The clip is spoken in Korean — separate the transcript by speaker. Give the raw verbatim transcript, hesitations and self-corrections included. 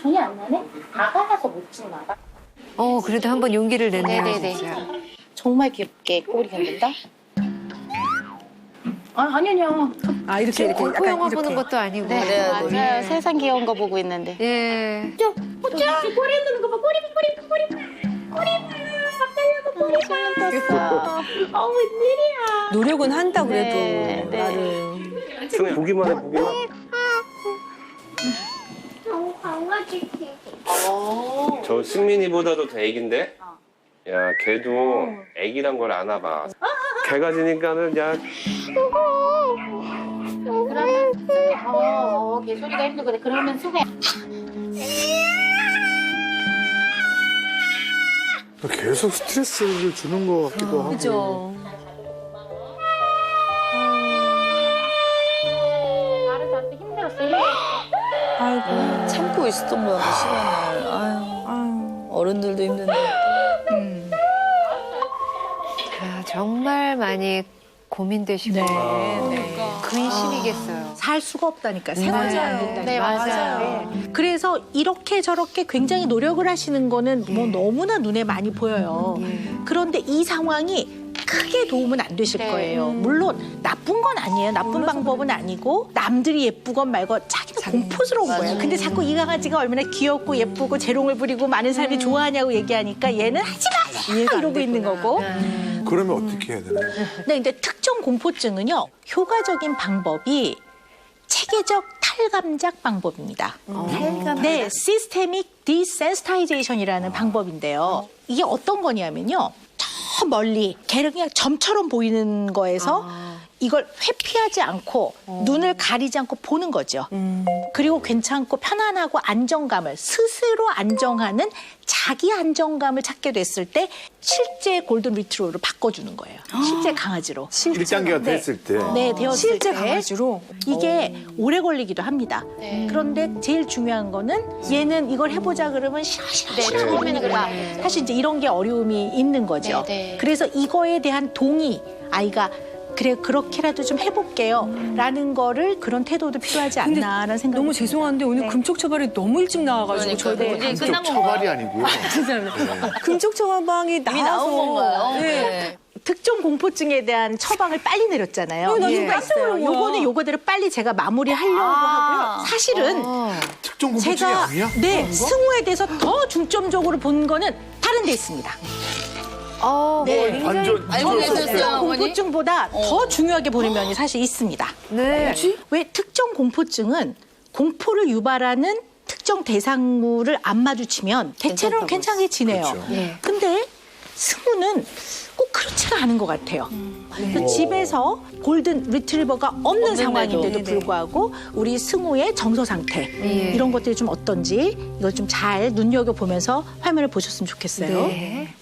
Speaker 1: 손이 안 나네? 아가라서 못 찍나 봐.
Speaker 2: 어, 그래도 한번 용기를 냈네요.
Speaker 1: 네네네.
Speaker 2: 진짜.
Speaker 1: 정말 귀엽게 꼬리 흔든다. 아, 아니, 아니요.
Speaker 3: 아 이렇게 이렇게
Speaker 2: 공포 영화 보는 것도 아니고.
Speaker 1: 네, 맞아요. 세상 귀여운 거 보고 있는데.
Speaker 2: 예.
Speaker 1: 저, 보자. 꼬리 흔드는 거 봐. 꼬리 봐, 꼬리 봐, 꼬리 봐. 꼬리 봐. 밥 달라고 꼬리 봐. 떴어. 어, 웬일이야.
Speaker 3: 노력은 한다 그래도
Speaker 1: 네, 네.
Speaker 3: 나름.
Speaker 4: 승희 보기만 해 보기만.
Speaker 1: 너무 강아지.
Speaker 4: 저 승민이보다도 더 애긴데? 야, 걔도 애기란 걸 아나 봐. 걔가 지니까는 야,
Speaker 1: 그러면 승혜, 어, 어, 개소리가 힘들거든. 그러면 승혜.
Speaker 5: 계속 스트레스를 주는 것 같기도 하고.
Speaker 3: 그죠.
Speaker 1: 나를 힘들었어. 힘들었어.
Speaker 3: 아이고.
Speaker 6: 참고 있었던 거야, 그 시간을. 아유,
Speaker 3: 아유.
Speaker 6: 어른들도 힘든데.
Speaker 3: 음.
Speaker 2: 아, 정말 많이 고민되시고.
Speaker 3: 네. 네.
Speaker 2: 근심이겠어요.
Speaker 7: 살 수가 없다니까. 생활이 안 된다니까.
Speaker 1: 네, 맞아요.
Speaker 7: 네. 그래서 이렇게 저렇게 굉장히 노력을 하시는 거는 뭐 너무나 눈에 많이 보여요. 그런데 이 상황이 크게 도움은 안 되실
Speaker 1: 네.
Speaker 7: 거예요. 물론 나쁜 건 아니에요. 나쁜 방법은 아니고 남들이 예쁘건 말건 자기가 공포스러운 거예요. 근데 자꾸 이 강아지가 얼마나 귀엽고 예쁘고 재롱을 부리고 많은 사람이 좋아하냐고 얘기하니까 얘는 하지 마!
Speaker 3: 이해가 안
Speaker 7: 이러고 있는
Speaker 3: 됐구나.
Speaker 7: 거고.
Speaker 5: 그러면 어떻게 해야 되나요?
Speaker 7: 네, 근데 특정 공포증은요, 효과적인 방법이 체계적 탈감작 방법입니다.
Speaker 6: 탈감.
Speaker 7: 네, 시스테믹 디센스타이제이션이라는 방법인데요. 이게 어떤 거냐면요, 저 멀리 걔를 그냥 점처럼 보이는 거에서 이걸 회피하지 않고 눈을 가리지 않고 보는 거죠. 그리고 괜찮고 편안하고 안정감을 스스로 안정하는 자기 안정감을 찾게 됐을 때 실제 골든 리트로버로 바꿔주는 거예요. 실제 강아지로.
Speaker 5: 일 단계가
Speaker 7: 네.
Speaker 5: 됐을 때.
Speaker 7: 네, 되었을
Speaker 3: 실제
Speaker 7: 때
Speaker 3: 강아지로.
Speaker 7: 이게 오래 걸리기도 합니다.
Speaker 1: 네.
Speaker 7: 그런데 제일 중요한 거는 얘는 이걸 해보자 그러면 싫어 싫어
Speaker 1: 네,
Speaker 7: 싫어
Speaker 1: 처음에는
Speaker 7: 하는 거야.
Speaker 1: 그래요.
Speaker 7: 사실 이제 이런 게 어려움이 있는 거죠.
Speaker 1: 네, 네.
Speaker 7: 그래서 이거에 대한 동의, 아이가 그래 그렇게라도 좀 해볼게요 라는 거를 그런 태도도 필요하지
Speaker 3: 근데
Speaker 7: 않나라는 생각이
Speaker 3: 너무
Speaker 7: 듭니다.
Speaker 3: 죄송한데 오늘 금쪽 처방이 너무 일찍 나와가지고
Speaker 6: 그러니까.
Speaker 3: 저희가
Speaker 6: 이제
Speaker 5: 금쪽
Speaker 6: 끝난
Speaker 5: 처발이
Speaker 6: 건가요?
Speaker 5: 아니고요.
Speaker 3: 금쪽 처방이 나와서
Speaker 6: 이미 나온 건가요?
Speaker 3: 네.
Speaker 6: 네.
Speaker 7: 특정 공포증에 대한 처방을 빨리 내렸잖아요.
Speaker 3: 어, 나
Speaker 7: 이유가
Speaker 3: 이거 깜짝
Speaker 7: 있어요.
Speaker 3: 놀란 거야.
Speaker 7: 요거는 요거대로 빨리 제가 마무리하려고
Speaker 6: 아.
Speaker 7: 하고요. 사실은
Speaker 2: 어.
Speaker 5: 특정 공포증이
Speaker 7: 제가
Speaker 5: 아니야?
Speaker 7: 네 승우에 대해서 더 중점적으로 본 거는 다른 데 있습니다.
Speaker 2: 어,
Speaker 7: 네.
Speaker 5: 반전.
Speaker 6: 알고
Speaker 5: 반전
Speaker 6: 계셨어요?
Speaker 5: 썼어요.
Speaker 6: 어머니?
Speaker 7: 공포증보다 더 중요하게 보는 면이 사실 있습니다.
Speaker 2: 네.
Speaker 7: 왜 특정 공포증은 공포를 유발하는 특정 대상물을 안 마주치면 대체로는 괜찮게 지내요.
Speaker 5: 그렇죠.
Speaker 2: 예.
Speaker 7: 근데 승우는 꼭 그렇지가 않은 것 같아요. 그래서 집에서 골든 리트리버가 없는 상황인데도
Speaker 3: 네네.
Speaker 7: 불구하고 우리 승우의 정서 상태
Speaker 2: 예.
Speaker 7: 이런 것들이 좀 어떤지 이걸 좀 잘 눈여겨보면서 화면을 보셨으면 좋겠어요.
Speaker 2: 네.